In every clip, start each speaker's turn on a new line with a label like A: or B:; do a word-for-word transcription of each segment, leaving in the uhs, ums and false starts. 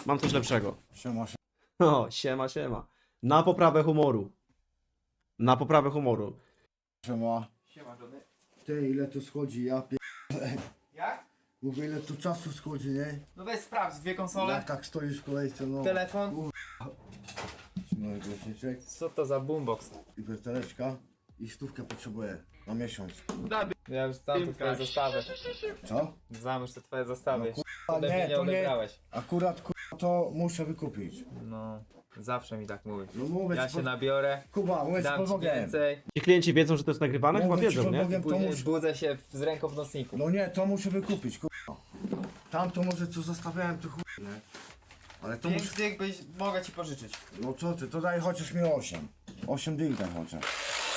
A: Mam coś lepszego.
B: Siema, siema.
A: O, siema, siema. Na poprawę humoru. Na poprawę humoru.
B: Siema.
C: Siema, Johnny.
B: Ty, ile to schodzi, ja pier...
C: Jak?
B: Mówię, ile tu czasu schodzi, nie?
C: No weź sprawdź, dwie konsole,
B: Jak tak stoisz w kolejce, no.
C: telefon.
B: No i głośniczek,
C: Co to za boombox?
B: i werteleczka, i stówkę potrzebuję na miesiąc.
C: Ja już znam te twoje zestawy.
B: Co?
C: Znam już te twoje zestawy.
B: No,
C: No,
B: nie,
C: nie, nie
B: to nie.
C: odebrałeś.
B: Akurat, kurwa, to muszę wykupić.
C: No, zawsze mi tak mówisz.
B: No mówię
C: Ja
B: ci,
C: się
B: pod...
C: nabiorę,
B: Kuba, mówię ci
C: dam
B: pod
C: ci
B: Bogiem.
C: więcej,
A: Ci klienci wiedzą, że to jest nagrywane? Chyba
B: Mówię ci
A: wiedzą,
B: pod
A: nie?
B: Bogiem, to
C: później
B: muszę...
C: budzę się z ręką w nocniku.
B: No nie, to muszę wykupić, kurwa. Tamto może co zostawiałem, to chuj, nie? Ale to muszę...
C: Pięć dych byś, mogę ci pożyczyć.
B: No co ty, to daj chociaż mi osiem. osiem dych daj chociaż.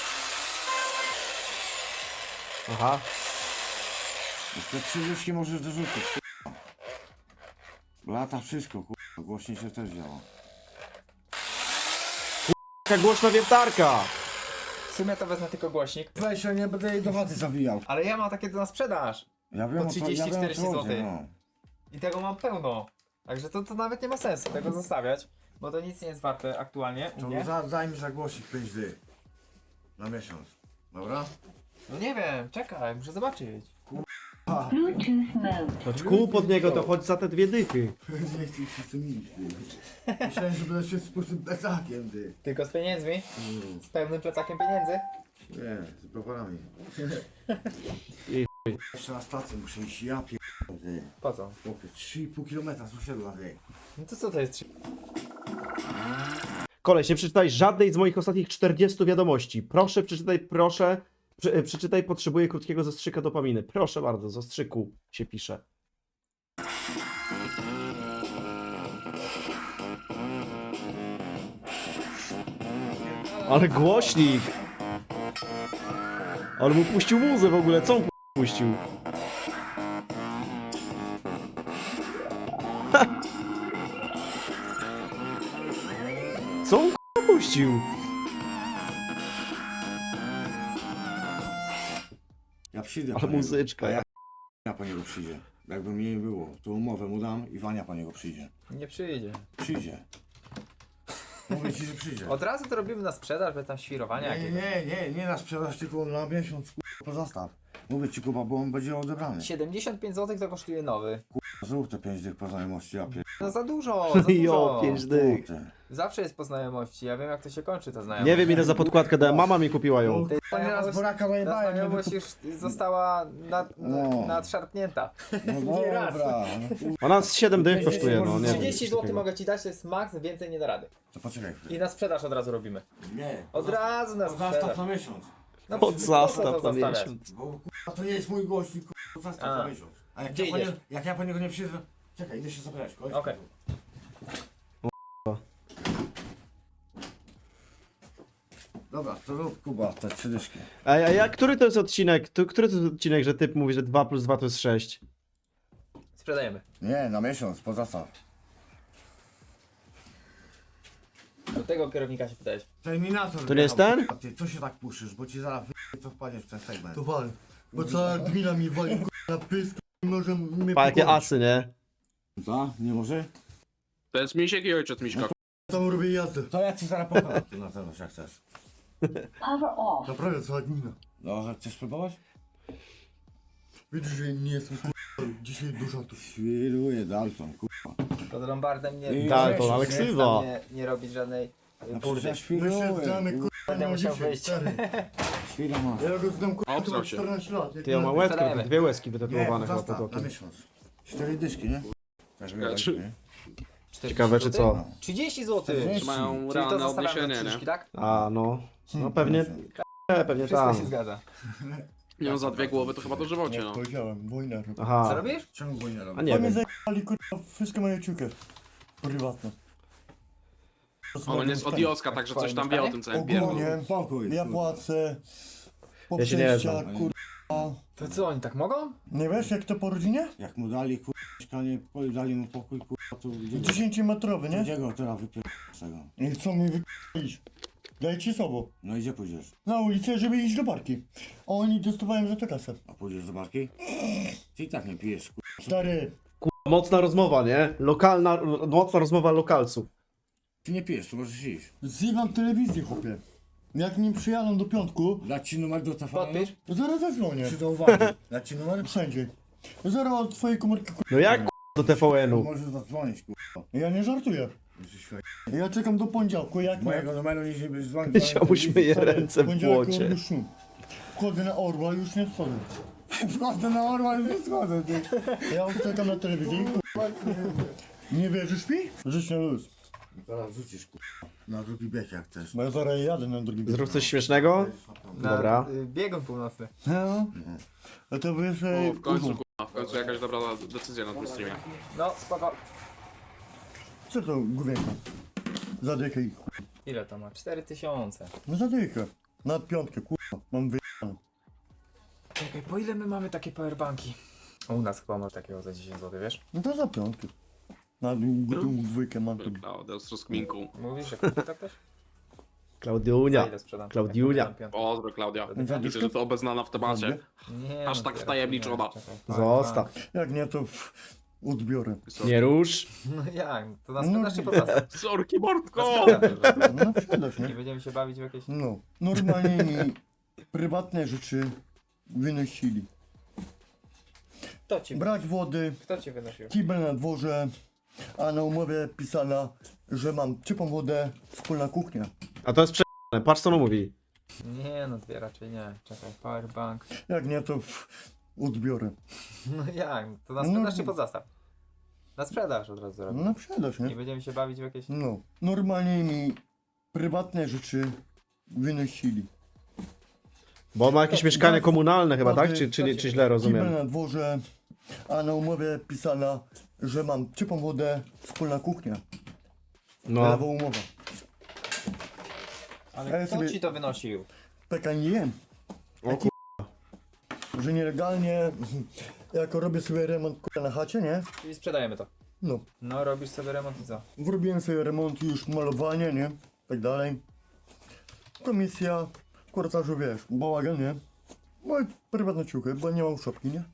A: Aha.
B: Te trzy dyszki możesz dorzucić, kurwa. Lata wszystko, kurwa. Głośniej się też działa.
A: Jaka głośna wiertarka!
C: W sumie to wezmę tylko głośnik.
B: Weź, ja nie będę jej do chaty zawijał.
C: Ale ja mam takie na sprzedaż.
B: Ja wiem,
C: Po
B: o co, ja
C: trzydzieści
B: wiem, o
C: czterdzieści
B: co chodzi,
C: złotych.
B: no.
C: I tego mam pełno. Także to, to nawet nie ma sensu tego zostawiać. Bo to nic nie jest warte aktualnie u
B: To
C: mnie.
B: za, daj mi za głosik pięć dych. Na miesiąc. Dobra?
C: No nie wiem, czekaj, muszę zobaczyć.
B: Ha!
D: Bluetooth mode.
A: To kół pod niego, to chodź za te dwie dychy.
B: Nie chcę się z tym iść, ty. Myślałem, że będę się z pustym plecakiem, ty.
C: Tylko z pieniędzmi?
B: Mm.
C: Z pełnym plecakiem pieniędzy?
B: Nie, z browarami.
A: I
B: Jeszcze na stację muszę iść, ja pier... ty.
C: Po co?
B: Chłopie, trzy i pół kilometra z osiedla, ty.
C: No to co to jest?
A: Koleś, nie przeczytaj żadnej z moich ostatnich czterdziestu wiadomości. Proszę, przeczytaj, proszę. Prze, e, przeczytaj, potrzebuję krótkiego zastrzyka dopaminy. Proszę bardzo, zastrzyku się pisze. Ale głośnik! Ale mu puścił muzę w ogóle, co on pu- puścił? Ha! Co on k***a puścił?
B: Ja przyjdę
A: Ale
B: po niego.
A: muzyczka.
B: A ja, ja po niego przyjdzie. Jakby mnie nie było, to umowę mu dam i Wania po niego przyjdzie.
C: Nie przyjdzie.
B: Przyjdzie. Mówię ci, że przyjdzie.
C: Od razu to robimy na sprzedaż, bez tam świrowania
B: Nie,
C: jakiegoś.
B: nie, nie, nie na sprzedaż, tylko na miesiąc, kurwa, pozostaw. Mówię ci, Kuba, bo on będzie odebrany.
C: siedemdziesiąt pięć złotych to kosztuje nowy.
B: Zrób te pięć dych po znajomości, ja pier...
C: No za dużo, za
A: Jo,
C: dużo.
A: pięć dych.
B: Ty.
C: Zawsze jest po znajomości, ja wiem jak to się kończy ta znajomość.
A: Nie wiem ile za podkładkę dałem, mama mi kupiła ją.
C: Ty,
B: Panie raz
C: znajomość-
B: boraka
C: Ta
B: najebałem, nie
C: znajomość
B: wykup...
C: już została nad,
B: No.
C: nadszarpnięta.
B: No
C: nie raz.
B: dobra, no, kur-
A: Ona z siedem dych kosztuje, no nie wiem.
C: trzydzieści
A: coś
C: złotych
A: takiego.
C: mogę ci dać, to jest maks, więcej nie da rady.
B: to poczekaj
C: I
B: chwilę.
C: na sprzedaż od razu robimy.
B: Nie,
C: Od razu na
B: zastaw
C: sprzedaż.
B: na miesiąc.
C: No,
A: Pod
C: po co
A: zastaw
C: to
A: na
C: zostawiać?
A: miesiąc.
B: Bo kurwa, to nie jest mój gościk, kurwa, zastaw
C: A.
B: na miesiąc. A jak
C: Gdzie
B: ja, po nie,
C: idziesz?
B: jak ja po niego nie przyjdę... Czekaj, idę się zabrać, koleś.
C: Okej.
B: Dobra, to rób, Kuba, te trzy dyszki.
A: A, a ja, który to jest odcinek? Tu, który to jest odcinek, że typ mówi, że dwa plus dwa to jest sześć?
C: Sprzedajemy.
B: Nie, na miesiąc, po zastaw.
C: Do tego kierownika się pytałeś.
B: Terminator.
A: To nie jest
B: wjechał.
A: ten?
B: A ty, co się tak puszysz, bo ci zaraz wy... to wpadniesz w ten segment.
E: To wal. Bo cała gmina mi wali k***a, na pysk i może mnie
A: Pa, jakie
E: pokonać.
A: asy, nie?
B: Co? Nie może?
F: To jest Misiek i ojciec Miśka.
E: Tam robię jazdę.
B: To ja ci zaraz pokonam tu na zewnątrz, jak chcesz.
D: Power off.
E: Naprawdę cała gmina.
B: No, że chcesz spróbować?
E: Widzisz, że nie jestem k***a, dzisiaj dużo tu.
B: Świruję Dalton, kurwa.
C: Pod Lombardem nie,
B: I
C: nie,
A: Dalton,
B: weź,
A: ale
B: nie
A: ksywa.
C: nie, nie robić żadnej y,
B: No przecież
C: burdy.
B: ja
E: My
B: świruję.
E: się znamy
B: kurwa.
E: k***a
C: Będę
E: na
C: musiał
E: dzisiaj,
C: wyjść.
E: stary.
B: Świra masz.
E: Ja go znam k***a,
F: Obstrał
E: to ma
F: się.
E: czternaście lat. jak
A: Ty, ja
E: na-
A: mam łezkę,
C: Sprzedajemy.
A: dwie łezki
B: Nie,
A: wytatuowane chyba pod
B: zastaw, na
A: okiem.
B: miesiąc. Cztery dyszki, nie? Tak, żeby
F: Czy-
B: nie?
A: Ciekawe czy co?
C: trzydzieści złotych.
B: trzydzieści.
F: Czy mają
C: Czyli to
F: realne
C: zostawiamy
F: odniesienie,
C: trzy
F: nie?
C: dyszki, tak?
A: A no, no pewnie, e, pewnie
C: Wszystko się
A: tam.
C: zgadza.
F: Nie no, za dwie głowy to chyba do żywocie,
E: Jak
F: no.
E: powiedziałem, wojna. robi.
C: Co
A: Aha,
C: robisz?
B: Czemu go nie
A: a
B: robię?
A: nie
E: Oni
A: wiem.
E: zajebali k***a wszystkie moje ciuchy. Prywatne.
F: On jest od Joska, także coś tam wie o tym całym pierdolu.
E: Ogólnie,
B: Spokój.
E: ja
B: kurwa.
E: płacę. Po
A: Ja się nie
E: przejściach,
B: znam.
E: kurwa.
C: To co, oni tak mogą?
E: Nie wiesz jak to po rodzinie?
B: Jak mu dali kurwa mieszkanie, po- dali mu pokój, kurwa, to gdzie go,
E: dziesięciometrowy, nie?
B: gdzie go teraz wypierdolę z tego?
E: I co mi wy***ić? Daj ci sobą.
B: No i gdzie pójdziesz?
E: Na ulicę, żeby iść do barki. A oni dostawałem za to kasę.
B: A pójdziesz do barki? Ty i tak nie pijesz, kurwa.
E: Stary,
A: Mocna rozmowa, nie? Lokalna, mocna rozmowa lokalców.
B: Ty nie pijesz, to możesz iść.
E: Zjewam telewizję, chłopie. Jak nim przyjadą do piątku,
B: Dać ci numer do telefonu?
C: Podpisz?
E: to zaraz zadzwonię.
B: Czy to uwagi? Dać ci numer?
E: Wszędzie. Zaraz od twojej komórki ku...
A: No jak k***a, do T V N-u?
B: Możesz zadzwonić, kurwa.
E: Ja nie żartuję.
B: Jesteś świetny.
E: Ja czekam do poniedziałku, jak nie.
B: Mojego numeru nie będziesz dzwonić.
A: Ziomuś myje ręce w
E: Poniedziałek
A: błocie.
E: robię szum. Wchodzę na Orła, już nie wchodzę.
B: Wchodzę na orła, już nie schodzę, ty.
E: Ja już czekam na telewizję i kurwa. Nie wierzysz mi? Żyć na luz.
B: Zaraz rzucisz, kurwa. Na drugi bieg jak chcesz.
E: Bo ja zaraz jadę na drugi
A: Zrób coś śmiesznego?
C: Na,
A: Dobra.
C: y, Biegun północny.
E: No. A to wiesz, że...
F: O, w końcu, kurwa, w końcu jakaś dobra decyzja na tym streamie.
C: No, spoko.
E: Co to główienka? Zadychę i chuj.
C: Ile to ma? cztery tysiące.
E: No zadychę. Na piątkę, kurwa. Mam wyjechane.
C: Czekaj, po ile my mamy takie powerbanki? U nas chyba masz takiego za dziesięć złotych, wiesz?
E: No to za piątkę. Na gotową dwójkę mam tu.
F: Klaudia z rozkminku.
C: Mówisz, że kupi to ktoś? Za
A: Klaudiunia.
C: ile sprzedam?
A: Klaudiunia.
C: Jak sprzedam piątkę?
F: Pozdro, Klaudia.
E: Za
F: Widzę, że to obeznana w temacie.
C: Nie,
F: Aż
C: no,
F: tak
C: dopiero
F: wtajemniczona.
C: czekaj,
A: Zostaw.
E: Jak nie, to odbiorę.
A: Nie rusz.
C: No jak? To na
E: No.
C: sprzedaż czy pozastaw?
F: Sorki,
C: Na
F: Mordko!
C: sprzedaż.
E: No sprzedaż,
C: Nie
E: nie?
C: będziemy się bawić w jakieś...
E: No. Normalnie mi prywatne rzeczy wynosili.
C: Kto ci,
E: Brak wody,
C: kto ci wynosił?
E: kibel na dworze, a na umowie pisana, że mam ciepłą wodę, wspólna kuchnia.
A: A to jest prze***ne. Patrz co on mówi.
C: Nie no, dwie raczej nie. Czekaj, powerbank.
E: Jak nie, to odbiorę.
C: No jak? To na
E: No.
C: sprzedaż czy pozastaw? Na sprzedaż od razu zrobię.
E: No sprzedaż,
C: Nie
E: nie?
C: będziemy się bawić w jakieś...
E: No. Normalnie mi prywatne rzeczy wynosili.
A: Bo on ma jakieś mieszkanie komunalne chyba, tak? Czy, czy, czy, czy źle
E: Kibel
A: rozumiem?
E: na dworze, a na umowie pisana, że mam ciepłą wodę, wspólna kuchnia.
A: No.
E: Lewa umowa. A
C: Ale
E: ja
C: kto
E: sobie-
C: ci to wynosił?
E: Taka nie jem.
A: O kur...
E: Że nielegalnie, jak robię sobie remont kurwa, na chacie, nie?
C: Czyli sprzedajemy to.
E: No.
C: No, robisz sobie remont i co?
E: Zrobiłem sobie remont, już malowanie, nie? Tak dalej. Komisja, korytarzu, wiesz, bałagan, nie? Moje prywatne ciuchy, bo nie mam szopki, nie?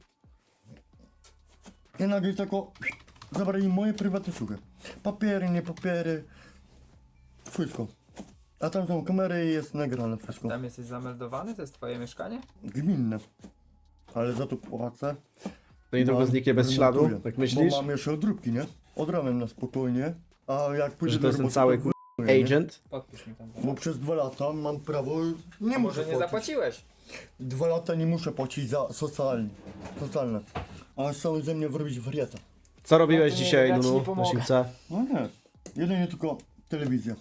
E: I nagle tako zabrali moje prywatne ciuchy. Papiery, nie papiery. Wszystko. A tam są kamery i jest nagrane wszystko.
C: Tam jesteś zameldowany? To jest twoje mieszkanie?
E: Gminne. Ale za to płacę.
A: No i długo
E: Mam-
A: zniknie bez śladu?
E: remontuję.
A: Tak myślisz?
E: Bo mam jeszcze odróbki, nie? Od ramen na spokojnie. A jak pójdę
A: Że to
E: do
A: jest ten
E: roboty,
A: cały
E: to
A: kur...
E: wyjmuję, nie?
A: agent?
C: Podpisz mi tam.
E: Bo przez dwa lata mam prawo, nie
C: A
E: muszę
C: może nie
E: płacić.
C: zapłaciłeś?
E: Dwa lata nie muszę płacić za socjalne. socjalne. A chcą ze mnie wyrobić wariata.
A: Co robiłeś
C: No to nie,
A: dzisiaj,
C: ja ci
A: Nunu,
C: nie
A: na
C: pomogę.
A: siłce?
E: No nie. Jedynie tylko telewizja.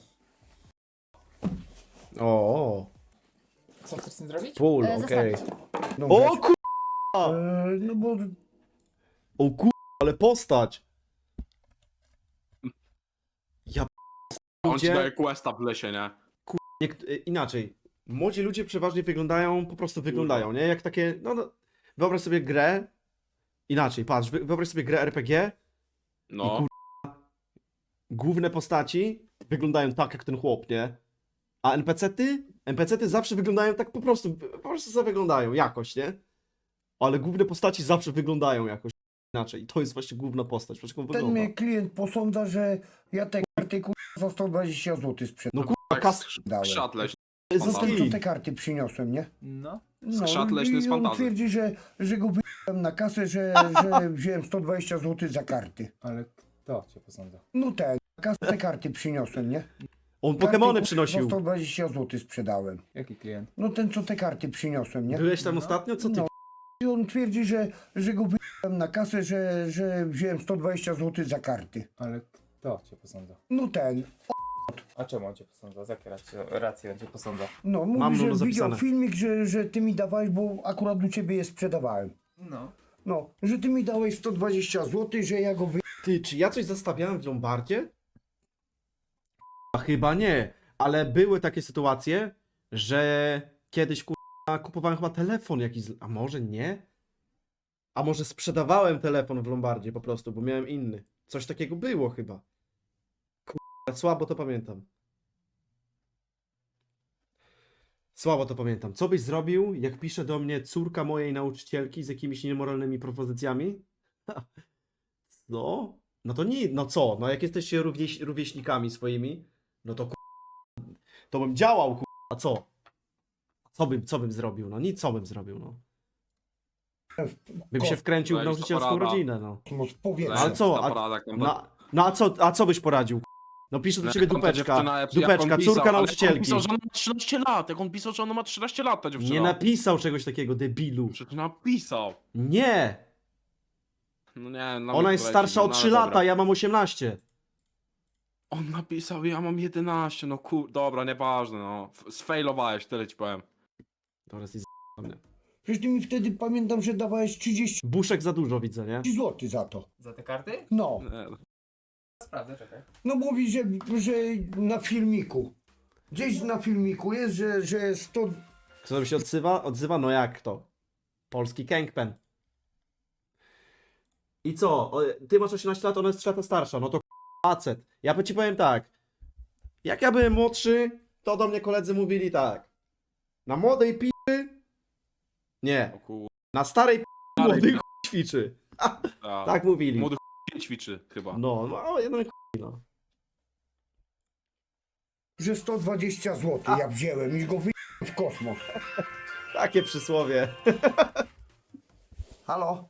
A: O, o,
C: Co chcesz z tym zrobić?
A: pól,
G: E,
A: okej.
E: No,
A: O
E: wiesz,
A: kur...
E: e, no bo
A: O kur... ale postać! Ja
F: On ci
A: Ludzie-
F: daje questa w lesie, nie?
A: Niekt- y, inaczej. Młodzi ludzie przeważnie wyglądają, po prostu wyglądają, nie? Jak takie, no, no wyobraź sobie grę, inaczej, patrz, wy- wyobraź sobie grę R P G,
F: No.
A: kur- główne postaci wyglądają tak jak ten chłop, nie? A N P C-ty? N P C-ty zawsze wyglądają tak po prostu, po prostu sobie wyglądają jakoś, nie? Ale główne postaci zawsze wyglądają jakoś inaczej i to jest właśnie główna postać, patrz jak on
H: Ten
A: wygląda.
H: mnie klient posądza, że ja te karty kur... za sto dwadzieścia złotych
A: No
H: sprzedałem.
A: kurwa,
F: Tak,
A: kas...
H: Dałem.
F: skrzat leśny.
A: to jest
H: No
F: Fantazja.
H: to co
A: ski.
H: te karty przyniosłem, nie?
C: No.
F: Skrzat leśny z
H: i on
F: fantazji.
H: twierdzi, że, że go wyjąłem na kasę, że, że wziąłem sto dwadzieścia złotych za karty.
C: Ale kto cię posądza?
H: No ten, na kasę te karty przyniosłem, nie?
A: On
H: Karty,
A: Pokemony
H: kur-
A: przynosił.
H: Za sto dwadzieścia złotych sprzedałem.
C: Jaki klient?
H: No ten co te karty przyniosłem, nie?
A: Byłeś tam
C: No.
A: ostatnio? Co ty?
H: No. I on twierdzi, że, że go wyjąłem na kasę, że, że wziąłem sto dwadzieścia złotych za karty.
C: Ale kto cię posądza?
H: No ten,
C: A czemu on cię posądza? Z jakiej racji, racji on cię posądza?
H: no
A: Mam
H: mówi, że
A: Nuno
H: widział
A: zapisane.
H: filmik, że, że ty mi dawałeś, bo akurat u ciebie je sprzedawałem.
C: No.
H: No, że ty mi dałeś sto dwadzieścia złotych, że ja go wy...
A: Ty, czy ja coś zostawiałem w Lombardzie? A chyba nie, ale były takie sytuacje, że kiedyś kurwa, kupowałem chyba telefon jakiś, z- a może nie? A może sprzedawałem telefon w Lombardzie po prostu, bo miałem inny. Coś takiego było chyba. Kurwa, słabo to pamiętam. Słabo to pamiętam. Co byś zrobił, jak pisze do mnie córka mojej nauczycielki z jakimiś niemoralnymi propozycjami? No, no to nie, no co? No jak jesteście równieś, rówieśnikami swoimi, no to ku- to bym działał, ku- a co? Co bym, co bym zrobił? No nic, co bym zrobił, no. Bym się wkręcił w
F: Weź,
A: nauczycielską
F: to porada.
A: rodzinę, no.
H: Kosmos powietrza.
A: Ale co,
F: Ta
A: a-
F: porada, jak tam-
A: No, no a co, a co byś poradził? ku- No pisze do
F: Jak
A: ciebie
F: tam ta
A: dupeczka,
F: dziewczyna, jak- jak
A: dupeczka,
F: on pisał,
A: córka
F: ale
A: nauczycielki.
F: On pisał, że ona ma trzynaście lat, jak on pisał, że ona ma trzynaście lat, ta dziewczyna.
A: Nie napisał czegoś takiego, debilu.
F: Przecież napisał.
A: Nie!
F: No nie, na mnie
A: Ona jest
F: poleci,
A: starsza o
F: no ale
A: trzy
F: dobra.
A: lata, ja mam osiemnaście.
F: On napisał, ja mam jedenaście, no kur... Dobra, nieważne, no. F- Sfailowałeś, tyle ci powiem.
A: Dobra, jesteś z... mnie.
H: Przecież ty mi wtedy pamiętam, że dawałeś trzydzieści
A: Buszek za dużo widzę, nie?
H: złotych za to.
C: Za te karty?
H: No.
F: Nie,
C: Sprawdzę, czekaj.
H: No mówi, że, że na filmiku. Gdzieś na filmiku jest, że, że sto...
A: Kto tam się odzywa? Odzywa? No jak to? Polski Kangpen. I co? O, ty masz osiemnaście lat, ona jest trzy lata starsza. No to k***a facet. Ja ci powiem tak. Jak ja byłem młodszy, to do mnie koledzy mówili tak. Na młodej p***y? Nie.
F: o kur...
A: Na starej p***y
F: Starej
A: młody
F: p***y.
A: ch... ćwiczy.
F: Tak.
A: Tak mówili.
F: Młody ch... ćwiczy chyba.
A: No, no, jeden ch... no.
H: że sto dwadzieścia złotych ja wziąłem i go wyjąłem w kosmos.
A: Takie przysłowie.
H: Halo?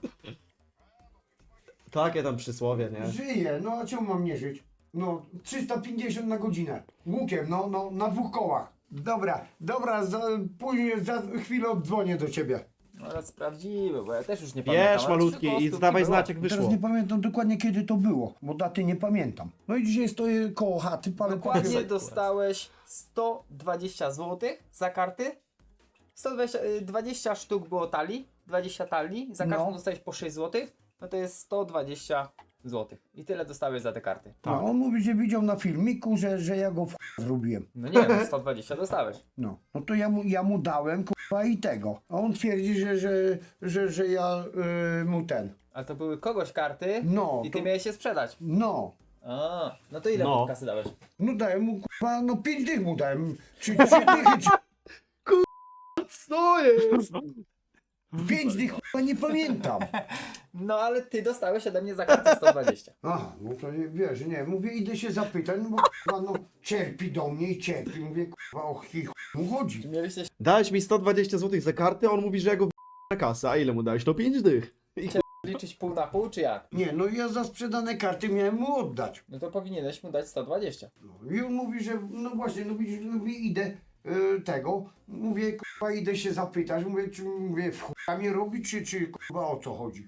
A: Takie tam przysłowie, nie?
H: Żyję, no a czemu mam nie żyć? No, trzysta pięćdziesiąt na godzinę. Łukiem, no, no, na dwóch kołach. Dobra, dobra, za, później za chwilę oddzwonię do ciebie.
C: No ale sprawdzimy, bo ja też już nie pamiętam.
A: Wiesz,
C: ale
A: malutki,
C: trzy
A: i
C: kostówki
A: zdawaj
C: było.
A: znać jak
H: Teraz
A: wyszło.
H: nie pamiętam dokładnie kiedy to było, bo daty nie pamiętam. No i dzisiaj stoję koło chaty, palę
C: Dokładnie
H: papierosy.
C: dostałeś sto dwadzieścia złotych za karty. sto dwadzieścia, y, dwadzieścia sztuk było talii, dwadzieścia talii, za każdą
H: No.
C: dostałeś po sześć złotych, no to jest sto dwadzieścia złotych. I tyle dostałeś za te karty.
H: No, on mówi, że widział na filmiku, że, że ja go w ch- zrobiłem.
C: No nie, no sto dwadzieścia dostałeś.
H: No, no to ja mu, ja mu dałem kurwa i tego. A on twierdzi, że, że, że, że ja y, mu ten.
C: Ale to były kogoś karty
H: No,
C: i ty
H: to,
C: miałeś się sprzedać.
H: no.
C: A, no to ile
A: No.
C: mu kasy dałeś?
H: No dałem mu kurwa, no pięć dych mu dałem. Czy trzy dychy, czy
A: Co jest?
H: pięć dych kurwa nie pamiętam.
C: No ale ty dostałeś ode mnie za kartę sto dwadzieścia.
H: Aha, no to nie, wiesz, nie, mówię, idę się zapytać, no bo kurwa, no cierpi do mnie i cierpi. Mówię, kurwa, o chi chuj mu chodzi.
C: Mieliście
A: Dałeś mi sto dwadzieścia złotych za kartę, a on mówi, że ja go w... na kasę. A ile mu dałeś? No pięć dych. I
C: się liczyć pół na pół, czy jak?
H: Nie, no ja za sprzedane karty miałem mu oddać.
C: No to powinieneś mu dać sto dwadzieścia.
H: No, I on mówi, że no właśnie, no widzisz, mówię, idę y, tego, mówię, kurwa, idę się zapytać, mówię, czy mówię, w chuja mnie robi, czy, czy kurwa o co chodzi?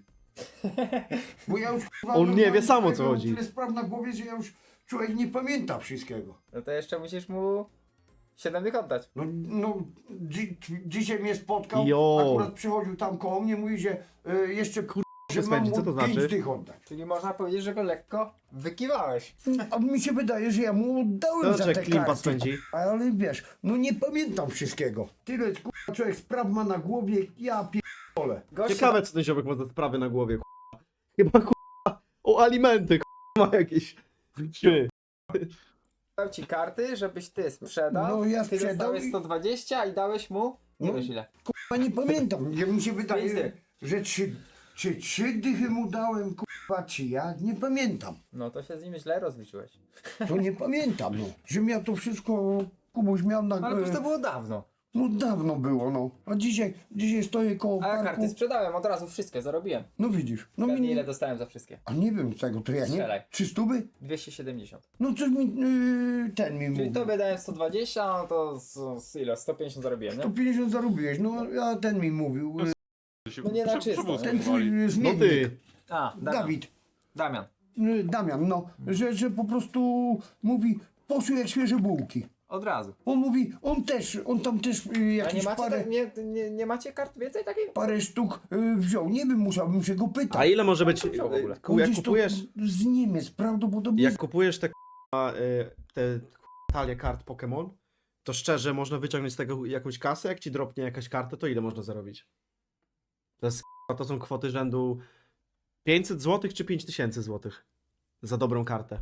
H: Bo ja już kurwa,
A: On nie wie
H: normalnie
A: sam, o co
H: mam
A: chodzi.
H: Tyle spraw na głowie, że ja już człowiek nie pamięta wszystkiego.
C: No to jeszcze musisz mu siedem dych oddać.
H: No, no dzi dzisiaj mnie spotkał,
A: Jo.
H: akurat przychodził tam koło mnie, mówi, że y, jeszcze kurwa, że mam
A: spędzi,
H: mu
A: co to
H: pięć
A: znaczy?
H: dych oddać.
C: Czyli można powiedzieć, że go lekko wykiwałeś.
H: A mi się wydaje, że ja mu oddałem
A: To
H: za
A: jak
H: te
A: klimpa
H: karty.
A: spędzi.
H: Ale wiesz, no nie pamiętam wszystkiego. Tyle kurwa, człowiek spraw ma na głowie, ja pierdolę.
C: Gość
A: Ciekawe, co ten ziomek ma za sprawy na głowie, k***a. Chyba, k***a, o alimenty, k***a, ma jakieś. Ty.
C: dał ci karty, żebyś ty sprzedał.
H: No, ja
C: ty
H: sprzedał
C: dostałeś
H: i-
C: sto dwadzieścia i dałeś mu nie
H: No.
C: wiesz ile.
H: A nie pamiętam, ja mi się
C: Pięć
H: wydaje,
C: dych.
H: że trzy, czy trzy dychy mu dałem, kurwa, czy ja, nie pamiętam.
C: No to się z nim źle rozliczyłeś.
H: To nie pamiętam, no. Że miał to wszystko, Kubuś miał na...
C: Ale przecież to było dawno.
H: No dawno było, no. A dzisiaj, dzisiaj stoję koło
C: A ja
H: parku.
C: karty sprzedałem od razu wszystkie, zarobiłem.
H: No widzisz, no mi
C: Pewnie
H: nie...
C: ile dostałem za wszystkie?
H: A nie wiem tego, to ja nie...
C: Strzelaj.
H: Trzy stówy?
C: dwieście siedemdziesiąt.
H: No coś mi, yy, ten mi
C: Czyli
H: mówił.
C: tobie dałem sto dwadzieścia, no to z, z ile? sto pięćdziesiąt zarobiłem,
H: sto
C: nie?
H: pięćdziesiąt zarobiłeś, no a ten mi mówił. Yy,
C: No nie na
F: Prze-
C: czysto.
F: przewózki
H: ten
F: wywali.
H: twój
A: No
H: zmiennik.
A: ty.
C: A, Damian.
H: Dawid.
C: Damian.
H: Yy, Damian, no. Że, że po prostu mówi, poszły jak świeże bułki.
C: Od razu.
H: On mówi, on też, on tam też yy,
C: A nie
H: jakieś
C: macie,
H: parę,
C: tak- nie, nie, nie macie kart więcej takich?
H: parę sztuk yy, wziął. Nie wiem, musiałbym się go pytać.
A: A ile może być,
C: Co wziął w ogóle?
A: ku- jak
H: gdzieś to
A: kupujesz,
H: z Niemiec, prawdopodobnie.
A: jak kupujesz te, k***a, y, te k***a, talie kart Pokémon, to szczerze można wyciągnąć z tego jakąś kasę, jak ci dropnie jakaś karta, to ile można zarobić? To, jest, k***a, to są kwoty rzędu pięćset złotych czy pięć tysięcy złotych za dobrą kartę.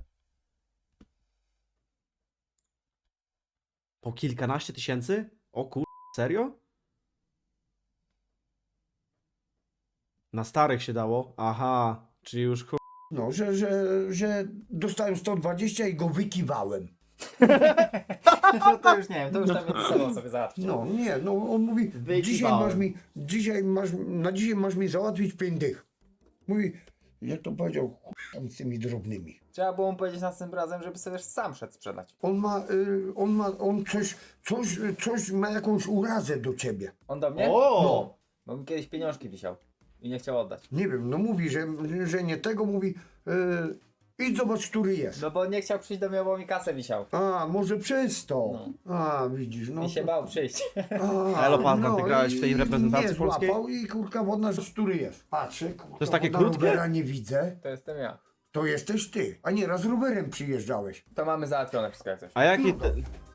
A: Po kilkanaście tysięcy? O kur... serio? Na starych się dało? Aha, czyli już kur...
H: No, że, że, że dostałem sto dwadzieścia i go wykiwałem.
C: No to już nie wiem, to już tam między sobą sobie załatwić.
H: No nie, no on mówi,
A: Wykiwałem.
H: dzisiaj masz mi, dzisiaj masz, na dzisiaj masz mi załatwić pięć dych. Mówi, jak to powiedział, chuj tam z tymi drobnymi.
C: Trzeba było mu powiedzieć następnym razem, żeby sobie sam szedł sprzedać.
H: On ma, y, on ma, on coś, coś, coś ma jakąś urazę do ciebie.
C: On do mnie?
A: O!
C: No. Bo mi kiedyś pieniążki wisiał i nie chciał oddać.
H: Nie wiem, no mówi, że, że nie tego, mówi, y, idź zobacz, który jest.
C: No bo nie chciał przyjść do mnie, bo mi kasę wisiał.
H: A, może przez to. A, widzisz, no.
C: I się
H: to-
C: bał przyjść.
H: A,
A: Elo, Patman, ty grałeś
H: i-
A: w tej
H: i
A: reprezentacji
H: nie
A: polskiej?
H: złapał i kurka wodna, który jest. Patrzę, kurka,
A: jest takie
H: wodna
A: krótkie?
H: rowera nie widzę.
C: To jestem ja.
H: To jesteś ty. A nie, raz rowerem przyjeżdżałeś.
C: To mamy załatwione wszystko jak coś.
A: A jaki, te,